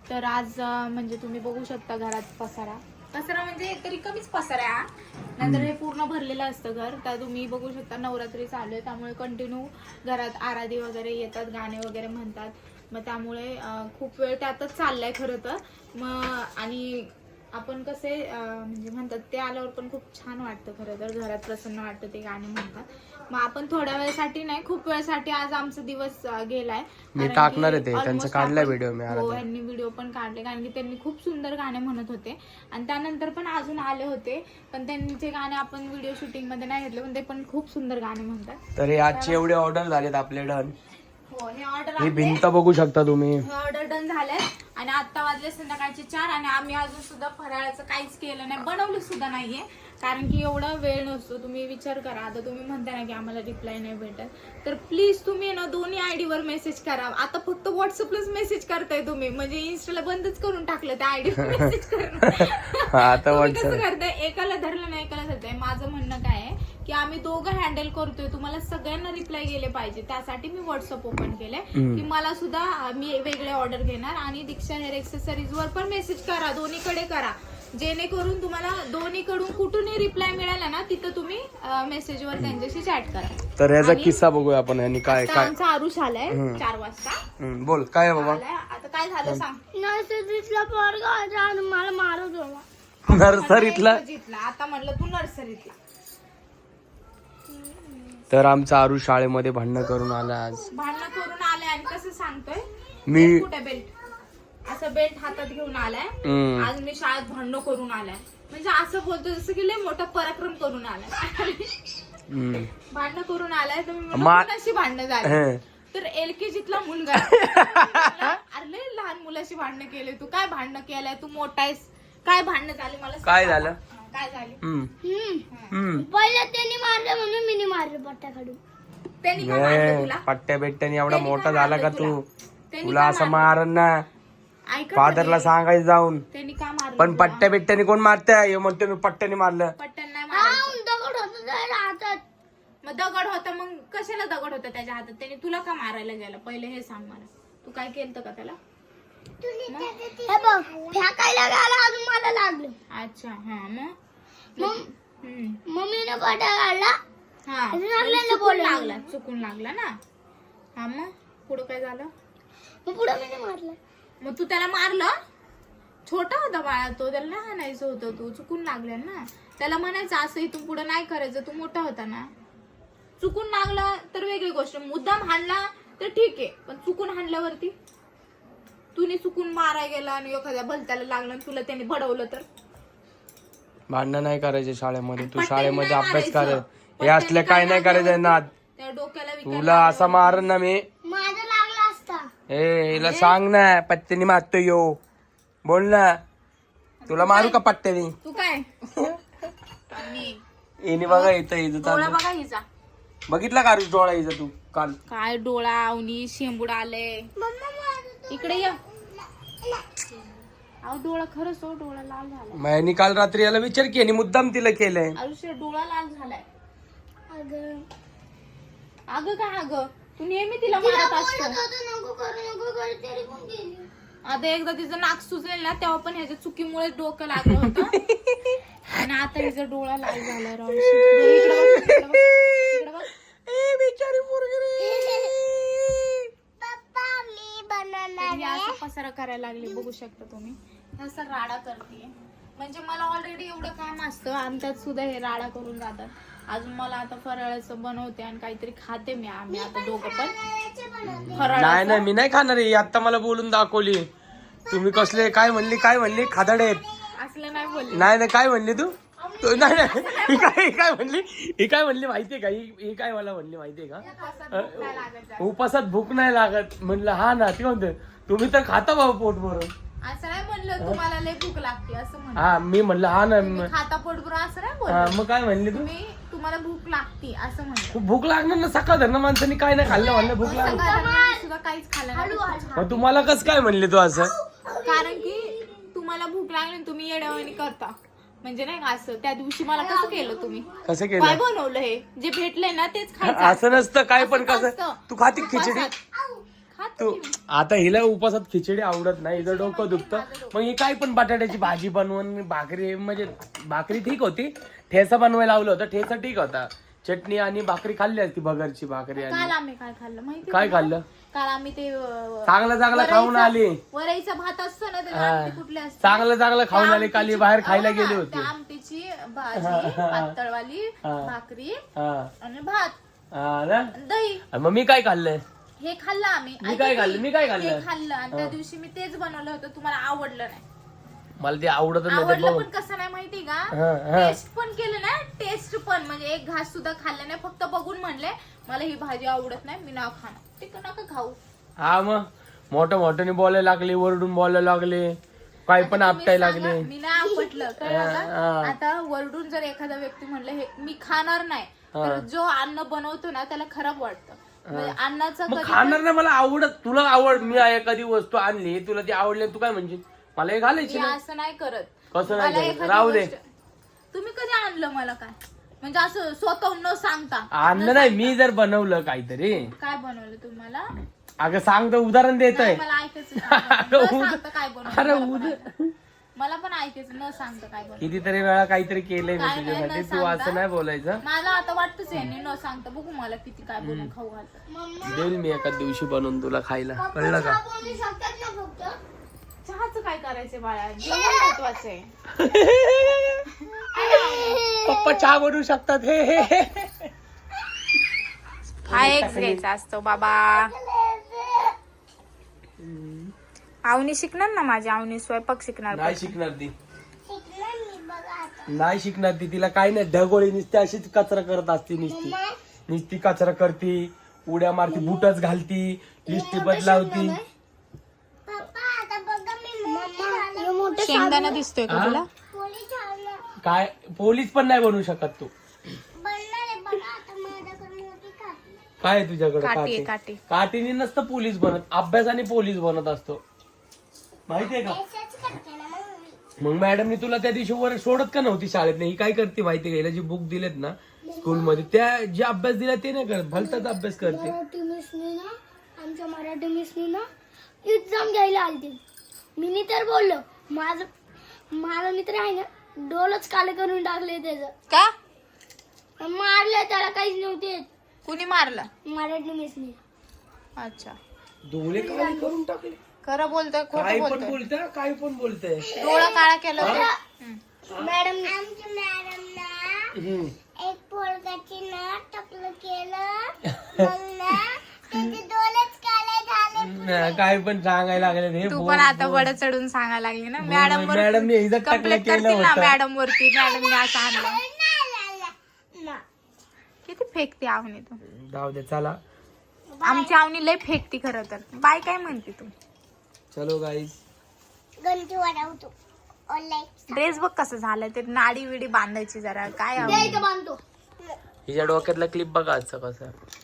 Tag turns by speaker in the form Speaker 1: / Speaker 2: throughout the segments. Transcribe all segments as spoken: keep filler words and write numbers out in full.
Speaker 1: तर आज अं, म्हणजे तुम्ही बघू शकता घरात पसारा पसारा म्हणजे तरी कमीच पसारा आहे हा. नंतर हे पूर्ण भरलेलं असतं घर. तर तुम्ही बघू शकता नवरात्री चालू आहे त्यामुळे कंटिन्यू घरात आराधी वगैरे येतात, गाणे वगैरे म्हणतात. मग त्यामुळे अं, खूप वेळ त्यातच चाललाय खरं तर. मग आणि आपण कसे अं, म्हणजे म्हणतात ते आल्यावर पण खूप छान वाटतं खरं तर, घरात प्रसन्न वाटतं ते गाणे म्हणतात. मग आपण थोड्या वेळासाठी नाही, खूप वेळासाठी आज आमचा दिवस अं, गेलाय.
Speaker 2: मी
Speaker 1: कारण
Speaker 2: टाकणार
Speaker 1: की
Speaker 2: आहे ते, त्यांचं
Speaker 1: almost
Speaker 2: काढलाय
Speaker 1: आपण-
Speaker 2: व्हिडिओ मी
Speaker 1: हो,
Speaker 2: आराध्या.
Speaker 1: यांनी व्हिडिओ पण काढले कारण की त्यांनी खूप सुंदर गाणे म्हणत होते. आणि त्यानंतर पण अजून आले होते, पण त्यांचे गाणे आपण व्हिडिओ शूटिंग मध्ये नाही घेतले, पण ते पण खूप सुंदर गाणे म्हणतात.
Speaker 2: तर हे आजचे एवढे ऑर्डर झालेत आपले डन.
Speaker 1: हो, हे ऑर्डर
Speaker 2: ही भिंत बघू शकता तुम्ही.
Speaker 1: हे ऑर्डर डन झालंय. आणि आता वाजले संध्याकाळचे चार आणि आम्ही अजून सुद्धा फराळाचं काहीच केलं नाही, बनवलं सुद्धा नाहीये. कारण की एवढा वेळ नसतो. तुम्ही विचार करा, आता तुम्ही म्हणता ना की आम्हाला रिप्लाय नाही भेटत, तर प्लीज तुम्ही ना दोन्ही आयडी वर मेसेज करा. आता फक्त व्हॉट्सअपलाच मेसेज करताय तुम्ही, म्हणजे इन्स्टाला बंदच करून टाकलं त्या आयडी वर मेसेज करणं.
Speaker 2: आता
Speaker 1: तुम्ही
Speaker 2: व्हॉट्सअप
Speaker 1: कसं करताय, एकाला धरलं नाही एकाला धरताय. माझं म्हणणं काय आहे की आम्ही दोघं हँडल करतोय, तुम्हाला सगळ्यांना रिप्लाय गेले पाहिजे, त्यासाठी मी व्हॉट्सअप ओपन केलंय की मला सुद्धा मी वेगळे ऑर्डर घेणार. आणि दीक्षा हेअर एक्सेसरीज वर पण मेसेज करा, दोन्हीकडे करा, जेणेकरून तुम्हाला दोन्हीकडून कुठूनही रिप्लाय मिळाला ना तिथं तुम्ही मेसेजवर त्यांच्याशी चॅट करा.
Speaker 2: तर याचा किस्सा बघूया आपण. यांनी काय
Speaker 1: आता
Speaker 2: काय
Speaker 1: आमचा आरुष आलाय चार वाजता
Speaker 2: हम्म, बोल काय आहे बाबा.
Speaker 1: आलाय. आता काय झालं सांग.
Speaker 3: नर्सरीतला पोरगा होता आणि मला मारत होता.
Speaker 2: नर्सरीतला.
Speaker 1: जितला आता म्हणलं तू नर्सरीतला.
Speaker 2: तर आमचा आरू शाळेमध्ये भांडणं करून आला आज.
Speaker 1: भांडणं करून आलाय आणि कसं सांगतोय
Speaker 2: मी
Speaker 1: बेल्ट कुठे बेल्ट असं बेल्ट हातात घेऊन आलाय.
Speaker 2: हम्म.
Speaker 1: आज मी शाळेत भांडणं करून आलाय, म्हणजे असं बोलतो जसं की लय मोठा पराक्रम करून आलाय.
Speaker 2: हम्म.
Speaker 1: भांडणं करून आलाय तर मी म्हणलं,
Speaker 2: मा-
Speaker 1: कुणाशी भांडणं झाली.
Speaker 2: हं.
Speaker 1: तर एलकेजीतला मुलगा आहे. अरे लय लहान मुलाशी भांडणं केले तू, काय भांडणं केलंय, तू मोठा आहेस, काय भांडणं झाली मला सांग.
Speaker 2: काय झालं?
Speaker 1: हा, काय झाली.
Speaker 2: हम्म.
Speaker 3: हम्म.
Speaker 2: हम्म.
Speaker 3: पहिले त्यांनी मारलं म्हणून मी मारलं पट्ट्या काढून.
Speaker 1: त्यांनी का मारलं तुला?
Speaker 2: पट्ट्या बिट्ट्याने एवढा
Speaker 1: त्यांनी
Speaker 2: मोठा
Speaker 1: का
Speaker 2: झाला का
Speaker 1: मारलं
Speaker 2: तू?
Speaker 1: तुला? त्यांनी
Speaker 2: तुला
Speaker 1: का
Speaker 2: असं
Speaker 1: मारलं?
Speaker 2: मारन ना,
Speaker 1: ऐका
Speaker 2: फादरला
Speaker 1: तरी.
Speaker 2: सांगायचं जाऊन.
Speaker 1: त्यांनी का मारलं
Speaker 2: पण
Speaker 1: तुला?
Speaker 2: पट्ट्या बिट्ट्याने कोण मारतंय? हे म्हणतो मी पट्ट्याने मारलं.
Speaker 1: पट्ट्यानं नाही
Speaker 3: हा,
Speaker 1: मारायचं.
Speaker 3: दगड होता त्याच्या हातात.
Speaker 1: मग दगड होता, मग कशाला दगड होता त्याच्या हातात? त्याने तुला का मारायला गेला पहिले हे सांग मला. तू काय केलं का त्याला?
Speaker 3: हे बघ, फेकायला गेला अजून मला लागलं.
Speaker 1: अच्छा, हा. मग
Speaker 3: मग
Speaker 1: हम्म.
Speaker 3: मम्मीने पट्ट्या काढला.
Speaker 1: हा,
Speaker 3: अजून आपल्याला
Speaker 1: चुकून
Speaker 3: बोलायला
Speaker 1: लागला चुकून लागला ना. हा, मग पुढं काय झालं?
Speaker 3: मग पुढे मी मारलं.
Speaker 1: मग तू त्याला मारलं? छोटा होता बाळा तो, त्याला नाही हाणायचं होतं. तू चुकून लागल्या ना, त्याला म्हणायचं असं इथून पुढे नाही करायचं, तू मोठा होता ना. चुकून लागला तर वेगळी गोष्ट, मुद्दाम हाणला तर ठीक आहे, पण चुकून हाणल्यावरती तुने चुकून मारायला गेला आणि एखाद्या भलत्याला लागलं आणि तुला त्याने बडवलं तर
Speaker 2: भांडणं नाही करायचे शाळेमध्ये. तू
Speaker 1: पट्ट्याने
Speaker 2: शाळेमध्ये
Speaker 1: नाही
Speaker 2: अभ्यास
Speaker 1: मारायचं.
Speaker 2: कर. हे असले काय नाही करायचं ना.
Speaker 1: त्या डोक्याला विकार
Speaker 2: तुला असा मारन ना मी.
Speaker 3: माझा लागला असता.
Speaker 2: ए हिला सांग ना, पट्ट्याने मारतो यो. बोल ना, तुला मारू का पट्ट्याने?
Speaker 1: तू काय आणि
Speaker 2: हिने बघा इथं इथं
Speaker 1: डोळा
Speaker 2: चालू.
Speaker 1: बघा हिचा,
Speaker 2: बघितला का रुज डोळा हिचा तू काल?
Speaker 1: काय डोळा, अवनी शेंबूड आले. इकडे या. अहो डोळा खरंच हो, डोळा लाल झालाय.
Speaker 2: मी काल रात्री याला विचार की आणि मुद्दाम तिला केलंय.
Speaker 1: आयुष्य डोळा लाल झालाय.
Speaker 3: अगं,
Speaker 1: अगं काय अगं, तू नेहमी तिला
Speaker 3: तिला
Speaker 1: मारत
Speaker 3: बोलत
Speaker 1: असतो.
Speaker 3: होतो नको करू नको करू तरी पण गेली.
Speaker 1: आता एकदा तिचं नाक सुचलेल ना, तेव्हा पण ह्याच्या चुकीमुळे डोकं लागलं होतं. आणि आता हिचा डोळा लाल झालाय. राव इकडे बघ, इकडे बघ, इकडे बघ.
Speaker 3: पप्पा मी बनवणार
Speaker 1: ही असं पसारा करायला लागली, बघू शकता तुम्ही. असं राडा करते, म्हणजे मला ऑलरेडी एवढं काम असतं आणि त्यात सुद्धा हे राडा करून जातात. अजून मला आता फराळाचं बनवते आणि काहीतरी खाते मी. आम्ही आता दोघं पण
Speaker 2: नाही
Speaker 1: फराळ.
Speaker 2: नाही मी नाही खाणार आहे. आता मला बोलून दाखवली तुम्ही. कसले काय म्हणली काय म्हणली खादाडे आहेत.
Speaker 1: असलं नाही बोलले.
Speaker 2: नाही नाही काय म्हणली तू? तू- नाही नाही ही काय ही काय म्हणली ही काय म्हणली माहितीये का? ही ही काय मला म्हणली माहितीये का? उपासात भूक नाही लागत म्हणलं. हा ना, ते म्हणते तुम्ही तर खाता भाऊ पोट भरून.
Speaker 1: असं नाही म्हणलं तुम्हाला लय भूक लागते असं म्हणलं.
Speaker 2: हा मी म्हणलं हा ना.
Speaker 1: तुम्ही खाता पोटभर असं नाही
Speaker 2: हा,
Speaker 1: बोललं.
Speaker 2: मग काय म्हणली तू?
Speaker 1: तुम्ही तुम्हाला भूक लागते असं म्हणलं.
Speaker 2: खूप भूक लागणार ना. सकाळ धरणं माणसाने काय नाही खाल्लं म्हणलं भूक लागली.
Speaker 1: सकाळी सुद्धा काहीच खाल्लं नाही.
Speaker 2: मग तुम्हाला कसं काय म्हणले तू असं?
Speaker 1: कारण की तुम्हाला भूक लागली आणि तुम्ही येड्यावानी करता, म्हणजे नाही का असं. त्या दिवशी मला कसं केलं तुम्ही?
Speaker 2: कसं
Speaker 1: काय
Speaker 2: केलं?
Speaker 1: बनवलं हे जे भेटलंय ना तेच खायचं.
Speaker 2: असं नसतं काय पण.
Speaker 1: असं
Speaker 2: कसं
Speaker 1: नसतं.
Speaker 2: तू खाती खिचडी?
Speaker 1: उपासात
Speaker 2: तू आता हिला उपासात खिचडी आवडत नाही, हिचं डोकं दुखतं. मग ही काय पण बटाट्याची भाजी बनवून भाकरी, म्हणजे भाकरी ठीक होती, ठेचा बनवायला लावलं होतं, ठेचा ठीक होता, चटणी आणि भाकरी खाल्ली असती, भगरची भाकरी.
Speaker 1: काल
Speaker 2: आणि
Speaker 1: आम्ही काय खाल्लं माहिती
Speaker 2: काय खाल्लं?
Speaker 1: काल आम्ही ते अं,
Speaker 2: चांगलं चांगलं खाऊन आली,
Speaker 1: वरईचा भात असतो ना, त्याला
Speaker 2: हा.
Speaker 1: आमटी कुठली असते,
Speaker 2: चांगलं चांगलं खाऊन आली. काल
Speaker 1: आमटीची-
Speaker 2: बाहेर खायला
Speaker 1: हो ना,
Speaker 2: गेली होती.
Speaker 1: त्या आमटीची भाजी, पातळवाली
Speaker 2: हा.
Speaker 1: भाकरी
Speaker 2: हा
Speaker 1: आणि भात
Speaker 2: हा ना.
Speaker 1: आणि दही,
Speaker 2: मग मी काय खाल्लंय?
Speaker 1: हे खाल्लं आम्ही.
Speaker 2: मी
Speaker 1: ऐका
Speaker 2: काय
Speaker 1: की,
Speaker 2: खाल्लं? मी काय खाल्लं?
Speaker 1: हे खाल्लं आणि त्या दिवशी मी तेच बनवलं होतं, तुम्हाला आवडलं नाही.
Speaker 2: मला ते आवडत नाही.
Speaker 1: आवडलं पण कसं नाही माहिती का,
Speaker 2: हा, हा.
Speaker 1: टेस्ट पण केलं ना, टेस्ट पण म्हणजे एक घास सुद्धा खाल्ला नाही, फक्त बघून म्हणले मला ही भाजी आवडत नाही, मी नाव खाणार, ते नका खाऊ.
Speaker 2: हा मग मोठं मोठ्याने बोलायला लागले, वरडून बोलायला लागले, काय पण
Speaker 1: आता तुम्ही
Speaker 2: आपटायला
Speaker 1: सांगा,
Speaker 2: लागले.
Speaker 1: मी नाही आपटलं कळलं
Speaker 2: हा,
Speaker 1: का?
Speaker 2: हा.
Speaker 1: आता वरडून जर एखादा व्यक्ती म्हणलं हे मी खाणार नाही, तर जो अन्न बनवतो ना त्याला खराब वाटतं. म्हणजे अन्नाचं
Speaker 2: मग
Speaker 1: कधी
Speaker 2: खाणार नाही मला आवडत, तुला आवड, मी एखादी वस्तू आणली तुला ती आवडली, तू काय म्हणजे मला हे घालायची
Speaker 1: मी
Speaker 2: ना.
Speaker 1: असं नाही करत.
Speaker 2: कसं नाही
Speaker 1: मला
Speaker 2: करत?
Speaker 1: एखादी
Speaker 2: राहू दे.
Speaker 1: गोष्ट- तुम्ही कधी आणलं मला काय म्हणजे असं स्वतःहून न सांगता?
Speaker 2: आणलं नाही, मी जर बनवलं काहीतरी.
Speaker 1: काय बनवलं तुम्हाला?
Speaker 2: अगं सांग तर, उदाहरण देत आहे.
Speaker 1: मला ऐकायचं नाही. न सांगता काय बनवलं
Speaker 2: अरे
Speaker 1: मला पण
Speaker 2: उद्या
Speaker 1: ऐकायचं. मला पण ऐकायचं, न सांगता काय बनवलं.
Speaker 2: कितीतरी वेळा काहीतरी केलंय मी
Speaker 1: काय नाही,
Speaker 2: तुझ्यासाठी,
Speaker 1: न
Speaker 2: तू असं
Speaker 1: सांगता.
Speaker 2: नाही बोलायचं.
Speaker 1: मला आता वाटतच आहे न सांगता, बघू मला किती काय बनवून खाऊ घालतं.
Speaker 2: देईल मी एका दिवशी बनवून तुला खायला, कळलं का?
Speaker 3: बोलू शकतात ना फक्त.
Speaker 1: चहाचं काय करायचंय बाळा, जेवण महत्वाचं आहे.
Speaker 2: पप्पा चहा बनवू शकतात. हे हे हे.
Speaker 1: हा एक घ्यायचा असतो बाबा. आवनी शिकणार ना माझी, आवनी स्वयंपाक शिकणार.
Speaker 2: नाही शिकणार ती,
Speaker 3: शिकणार मी बघा आता.
Speaker 2: नाही शिकणार ती. तिला काही नाही, ढगोळी नुसती अशीच कचरा करत असते, नुसती नुसती कचरा करती, उड्या मारती, बुटच घालती, लिपस्टिक बदलावती.
Speaker 3: पप्पा आता बघा मी मोठी मोठे
Speaker 1: शेंगदाणा दिसतोय का
Speaker 2: हा?
Speaker 1: तुला?
Speaker 3: पोळी ठेवलं.
Speaker 2: काय पोलीस पण नाही बनवू शकत तू.
Speaker 3: बनणार आहे बघा आता माझ्याकडे मोठी का.
Speaker 2: काय आहे तुझ्याकडे?
Speaker 1: काठी आहे,
Speaker 2: काठी
Speaker 1: काठी.
Speaker 2: काठीने नसतं पोलीस बनत, अभ्यासाने पोलीस बनत असतो, माहितीये का?
Speaker 3: असंच करते ना मग मी.
Speaker 2: मग मॅडमनी तुला त्या दिवशी वर सोडत का नव्हती शाळेत? नाही, ही काय करते माहिती का? हिला जी बुक दिलेत ना स्कूलमध्ये, त्या जे अभ्यास दिला ते नाही करत, भलताच अभ्यास करते.
Speaker 3: मराठी मिसनी ना, आमच्या मराठी मिसनी ना एक्झाम घ्यायला आलती. मी तर बोललो, माझं माझा मित्र आहे ना, डोलच काले करून टाकले त्याचं.
Speaker 1: का
Speaker 3: मारलं त्याला, काहीच नव्हते.
Speaker 1: कुणी मारलं?
Speaker 3: मराठी मिसनी.
Speaker 1: अच्छा,
Speaker 2: डोळे काळे करून टाकले.
Speaker 1: खरं बोलतोय
Speaker 2: काय
Speaker 1: खोटं
Speaker 2: पण
Speaker 1: बोलतोय?
Speaker 2: बोलतय, काय पण बोलतय.
Speaker 1: डोळा काळा केलं होतं? हम्म.
Speaker 3: मॅडम आमच्या मॅडम ना
Speaker 2: हम्म.
Speaker 3: एक पोरगाची ना टकलं केलं, मग ना त्याचे डोलेच काळे झाले.
Speaker 2: नाही, काय पण सांगायला लागले हे.
Speaker 1: तू
Speaker 2: बोल,
Speaker 1: पण आता
Speaker 2: बोल.
Speaker 1: वड चढून सांगायला लागली ना
Speaker 2: बोल,
Speaker 1: मॅडम वर.
Speaker 2: मॅडमने हिचं टाकलं
Speaker 1: कंप्लेंट
Speaker 2: केलं
Speaker 1: करतील ना
Speaker 2: होतं.
Speaker 1: मॅडम वरती, मॅडमने असं आणलं.
Speaker 3: ना, ना, ना, ना.
Speaker 1: किती फेकते आवनी तू.
Speaker 2: जाऊ दे, चला
Speaker 1: आमची आवनी लय फेकती खरं तर. बाय काय म्हणते तू?
Speaker 2: चलो गाईस.
Speaker 3: गंठी वाढवतो ऑनलाईन.
Speaker 1: ड्रेस बघ कसं झालं ते, नाडी विडी बांधायची जरा. काय आवनी?
Speaker 3: द्यायचं बांधतो.
Speaker 2: हिच्या डोक्यातला क्लिप बघा आजचा कसा.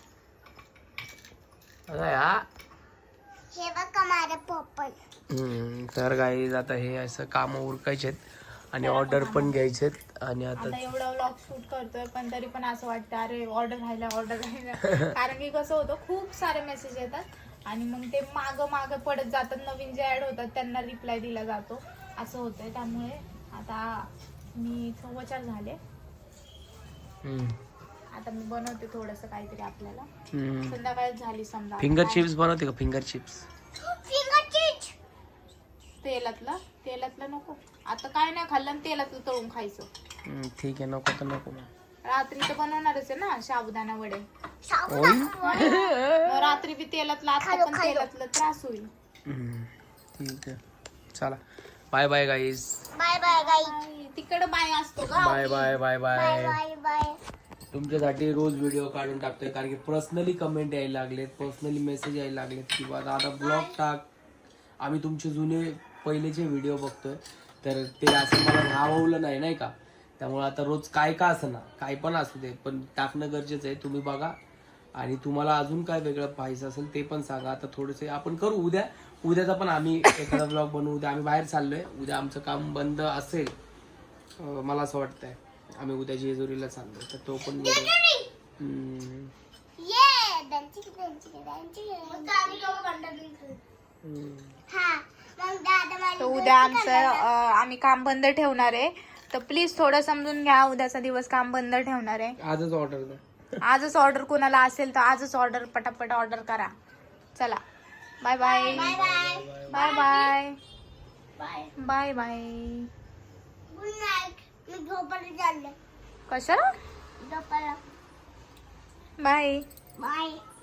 Speaker 2: अरे हा.
Speaker 3: हे बघा माझं पप्पा.
Speaker 2: हम्म, तर गाईज आता हे असं काम उरकायचे आणि ऑर्डर पण घ्यायचे आणि आता
Speaker 1: आता एवढा व्लॉग शूट करतोय पण तरी पण असं वाटतं अरे ऑर्डर राहिला, ऑर्डर राहिला. कारण की कसं होतं, खूप सारे मेसेज येतात आणि मग ते माग माग पडत जातात. नवीन जे ऍड होतात त्यांना रिप्लाय दिला जातो, असं होतंय. त्यामुळे आता मी चव्वेचार झाले.
Speaker 2: हम्म.
Speaker 1: आता मी बनवते थोडस काहीतरी आपल्याला.
Speaker 2: हम्म.
Speaker 1: संध्याकाळ झाली समजा.
Speaker 2: फिंगर चिप्स बनवते का? Finger chips
Speaker 3: finger chips.
Speaker 1: तेलातला तेलातलं नको. आता काय नाही खाल्लं आणि तेलातलं तळून खायचं.
Speaker 2: हम्म, ठीक आहे, नको तर नको मग.
Speaker 1: रात्री तर बनवणारच आहे ना साबुदाणा वडे.
Speaker 2: होईल.
Speaker 1: मग रात्री बी तेलातलं, आता पण तेलातलं त्रास होईल.
Speaker 2: हम्म, ठीक आहे, चला bye bye guys.
Speaker 3: Bye bye guy.
Speaker 1: तिकडं बाय असतो का?
Speaker 2: Bye bye bye
Speaker 3: bye
Speaker 2: bye.
Speaker 3: Bye bye.
Speaker 2: तुमच्यासाठी रोज व्हिडिओ काढून टाकतोय, कारण की पर्सनली कमेंट यायला लागलेत, पर्सनली मेसेज यायला लागलेत की बा दादा ब्लॉग टाक. आम्ही तुमचे जुने पहिलेचे व्हिडिओ बघतोय, तर ते असं मला राहवलं नाही नाही का. त्यामुळे आता रोज काय का असं ना, काय पण असू दे, पण टाकणं गरजेचं आहे. तुम्ही बघा आणि तुम्हाला अजून काय वेगळं पाहिजे असेल ते पण सांगा. आता थोडंसं आपण करू उद्या, उद्याचा पण आम्ही एखादा ब्लॉग बनवू. उद्या आम्ही बाहेर चाललोय, उद्या आमचं काम बंद असेल मला असं वाटतंय. आम्ही उद्या जेजुरीला चाललोय, तर तो पण
Speaker 3: ये
Speaker 1: तर उद्या आमचं अं, आम्ही काम बंद ठेवणार आहे. तर प्लीज थोडं समजून घ्या, उद्याचा दिवस काम बंद ठेवणार आहे.
Speaker 2: आजच ऑर्डर द्या.
Speaker 1: आजच ऑर्डर कोणाला असेल तर आजच ऑर्डर पटापट ऑर्डर करा. चला bye bye bye bye bye bye bye.
Speaker 3: Good night. मी झोपायला चालले.
Speaker 1: कशाला?
Speaker 3: झोपायला.
Speaker 1: बाय.
Speaker 3: बाय.